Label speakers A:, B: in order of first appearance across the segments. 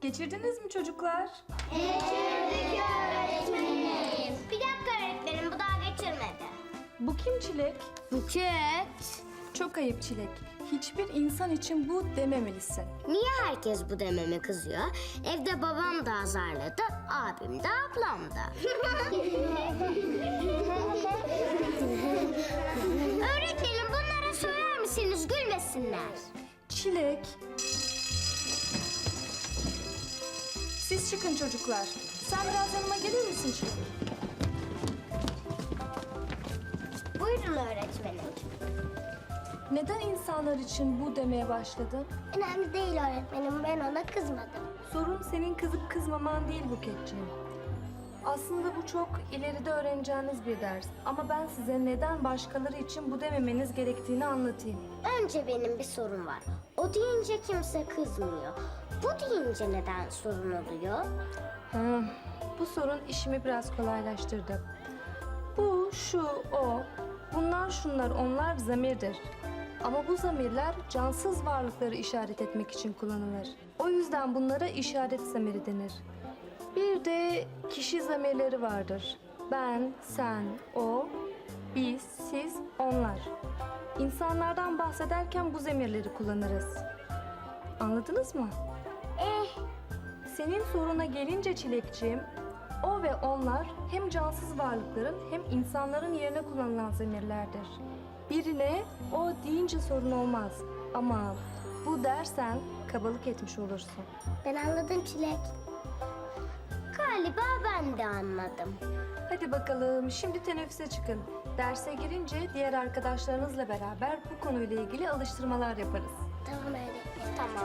A: Geçirdiniz mi çocuklar?
B: Geçirdik öğretmenim. Bir dakika öğretmenim, bu daha geçirmedi.
A: Bu kim Çilek?
B: Buket.
A: Çok ayıp Çilek. Hiçbir insan için bu dememelisin.
B: Niye herkes bu dememe kızıyor? Evde babam da azarladı, abim de ablam da. Öğretmenim, bunlara söyler misiniz, gülmesinler?
A: Çilek. Siz çıkın çocuklar. Sen biraz yanıma gelir misin Çilek?
B: Buyurun öğretmenim.
A: Neden insanlar için bu demeye başladın?
B: Önemli değil öğretmenim, ben ona kızmadım.
A: Sorun senin kızıp kızmaman değil Buketciğim. Aslında bu çok ileride öğreneceğiniz bir ders. Ama ben size neden başkaları için bu dememeniz gerektiğini anlatayım.
B: Önce benim bir sorun var. O deyince kimse kızmıyor. Bu deyince neden sorun oluyor?
A: Bu sorun işimi biraz kolaylaştırdı. Bu, şu, o, bunlar, şunlar, onlar zamirdir. Ama bu zamirler cansız varlıkları işaret etmek için kullanılır. O yüzden bunlara işaret zamiri denir. Bir de kişi zamirleri vardır. Ben, sen, o, biz, siz, onlar. İnsanlardan bahsederken bu zamirleri kullanırız. Anladınız mı? Senin soruna gelince Çilekciğim, o ve onlar hem cansız varlıkların hem insanların yerine kullanılan zamirlerdir. Birine o deyince sorun olmaz ama bu dersen kabalık etmiş olursun.
B: Ben anladım Çilek. Galiba ben de anladım.
A: Hadi bakalım şimdi teneffüse çıkın. Derse girince diğer arkadaşlarınızla beraber bu konuyla ilgili alıştırmalar yaparız.
B: Tamam öğretmenim. Tamam.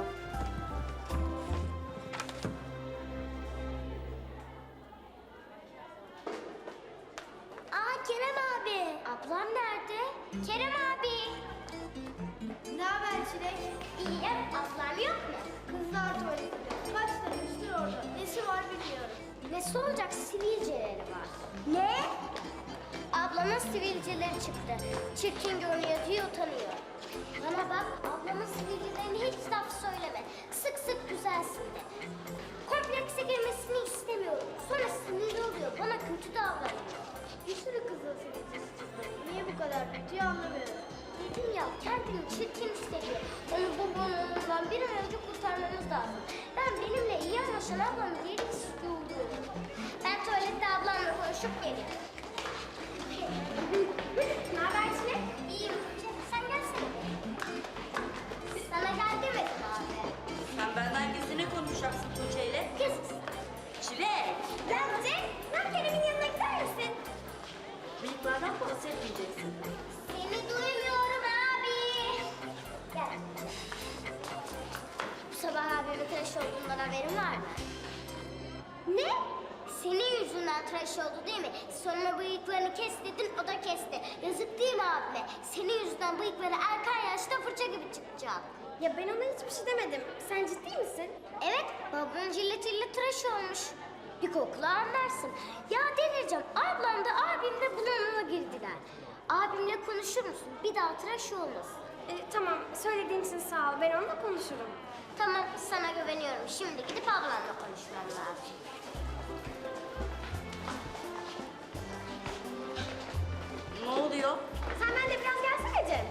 B: Aa Kerem abi. Ablam nerede? Kerem abi.
C: Ne haber Çilek?
B: İyiyim. Ablam yok mu?
C: Kızlar tuvaletinde. Kaç demiştir orada. Nesi var bilmiyorum.
B: Nesi olacak? Sivilceleri var. Ne? Ablamın sivilceleri çıktı. Çirkin görünüyor diye utanıyor. Bana bak, ablamın sivilcelerine hiç laf söyleme. Sık sık güzelsin de. Komplekse girmesini istemiyorum. Sonra sinirli oluyor, bana kötü davranıyor.
C: Bir sürü kızıl sivilcesi çıktı. Niye bu kadar kötüyü anlamıyorum.
B: Dedim ya, kendini çirkin hissediyor. Onu bu burnundan bir an önce kurtarmamız lazım. Ben benimle iyi anlaşan ablamı geri istiyorum. Ben tuvalette ablamla konuşup geliyorum. Ne haber Çilek? İyiyim. Sen gelsene. Sana gel demedim abi.
D: Sen benden gizli ne konuşacaksın Tuğçe ile?
B: Kız.
D: Çilek!
B: Bence ben Kerem'in yanına gider misin?
D: Bıyıklardan bahsetmeyeceksin.
B: Seni duymuyorum abi. Gel. Bu sabah abimin tıraş olduğundan haberin var mı? Ne? Senin yüzünden tıraş oldu değil mi? Sonra bıyıklarını kes dedin, o da kesti. Yazık değil mi abime? Senin yüzünden bıyıkları erken yaşta fırça gibi çıkacak.
C: Ya ben ona hiçbir şey demedim. Sen ciddi misin?
B: Evet, babamın cilletiyle tıraş olmuş. Bir kokla anlarsın. Ya delireceğim, ablam da abim de bunalıma girdiler. Abimle konuşur musun? Bir daha tıraş olmasın.
C: Tamam, söylediğin için sağ ol. Ben onunla konuşurum.
B: Tamam, sana güveniyorum. Şimdi gidip ablamla konuşmam lazım.
D: Ne oluyor?
C: Sen benimle biraz gelsene Cem.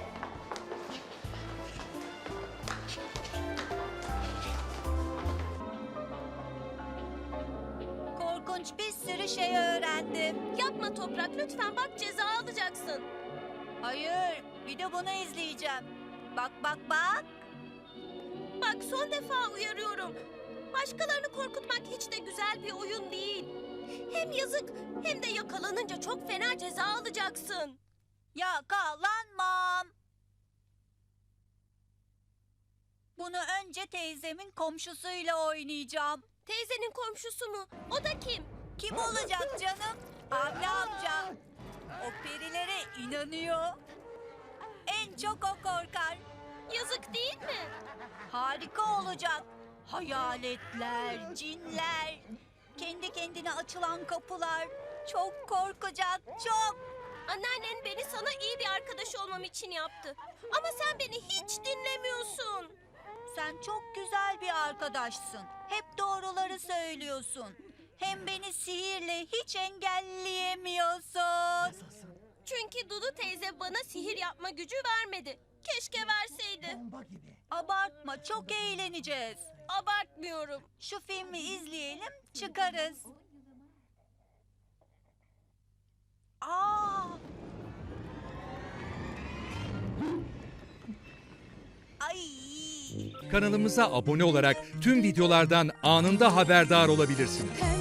E: Korkunç bir sürü şey öğrendim. Yapma Toprak lütfen, bak ceza alacaksın. Hayır, bir de bunu izleyeceğim. Bak bak bak. Bak son defa uyarıyorum. Başkalarını korkutmak hiç de güzel bir oyun değil. Hem yazık hem de yakalanınca çok fena ceza alacaksın. Yakalanmam. Bunu önce teyzemin komşusuyla oynayacağım. Teyzenin komşusu mu? O da kim? Kim olacak canım? Avni amca. O perilere inanıyor. En çok o korkar. Yazık değil mi? Harika olacak. Hayaletler, cinler, kendi kendine açılan kapılar. Çok korkacak, çok. Anneannen beni sana iyi bir arkadaş olmam için yaptı. Ama sen beni hiç dinlemiyorsun. Sen çok güzel bir arkadaşsın. Hep doğruları söylüyorsun. Hem beni sihirle hiç engelleyemiyorsun.
C: Çünkü Dudu teyze bana sihir yapma gücü vermedi. Keşke verseydi.
E: Abartma, çok eğleneceğiz.
C: Abartmıyorum.
E: Şu filmi izleyelim, çıkarız. Aa! Ay!
F: Kanalımıza abone olarak tüm videolardan anında haberdar olabilirsiniz.